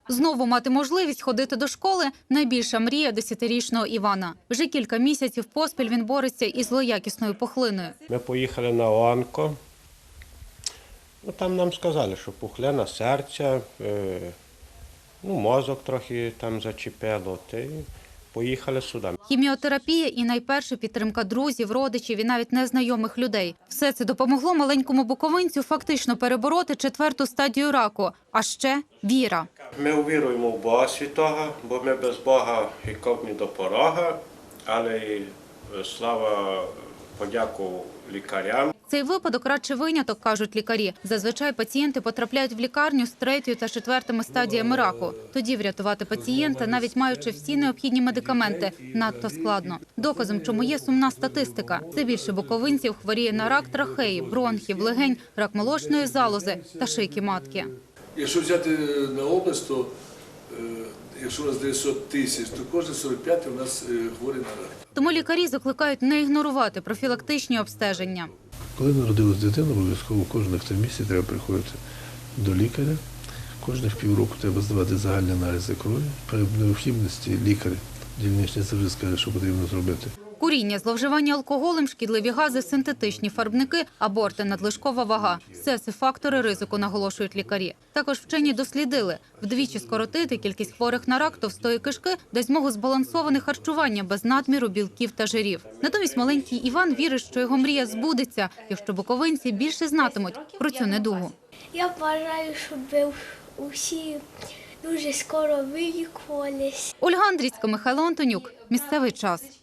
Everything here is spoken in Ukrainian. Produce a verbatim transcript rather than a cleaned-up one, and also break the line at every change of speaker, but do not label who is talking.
Знову мати можливість ходити до школи – найбільша мрія десятирічного Івана. Вже кілька місяців поспіль він бореться із злоякісною пухлиною.
Ми поїхали на онко. Ну, там нам сказали, що пухлина серця, е, ну, мозок трохи там зачепило. Та й поїхали сюди.
Хіміотерапія і найперше підтримка друзів, родичів і навіть незнайомих людей. Все це допомогло маленькому буковинцю фактично перебороти четверту стадію раку. А ще віра.
Ми увіруємо в Бога Святого, бо ми без Бога і ковні до порога, але й слава, подяку лікарям.
Цей випадок радше виняток, кажуть лікарі. Зазвичай пацієнти потрапляють в лікарню з третьою та четвертими стадіями раку. Тоді врятувати пацієнта, навіть маючи всі необхідні медикаменти, надто складно. Доказом, чому є сумна статистика. Все більше буковинців хворіє на рак трахеї, бронхів, легень, рак молочної залози та шийки матки.
Якщо взяти на область, то якщо у нас дев'ятсот тисяч, то кожен сорок п'ятий у нас хворий на рак.
Тому лікарі закликають не ігнорувати профілактичні обстеження.
Коли народилась дитина, обов'язково кожних три місяці треба приходити до лікаря. Кожних півроку треба здавати загальні аналізи крові. При необхідності лікар дільничний завжди скаже, що потрібно зробити.
Куріння, зловживання алкоголем, шкідливі гази, синтетичні фарбники, аборти, надлишкова вага – все це фактори ризику, наголошують лікарі. Також вчені дослідили – вдвічі скоротити кількість хворих на рак товстої кишки дасть змогу збалансоване харчування без надміру білків та жирів. Натомість маленький Іван вірить, що його мрія збудеться, якщо буковинці більше знатимуть про цю недугу.
Я бажаю, щоб усі дуже скоро вилікувались.
Ольга Андрійська, Михайло Антонюк. Місцевий час.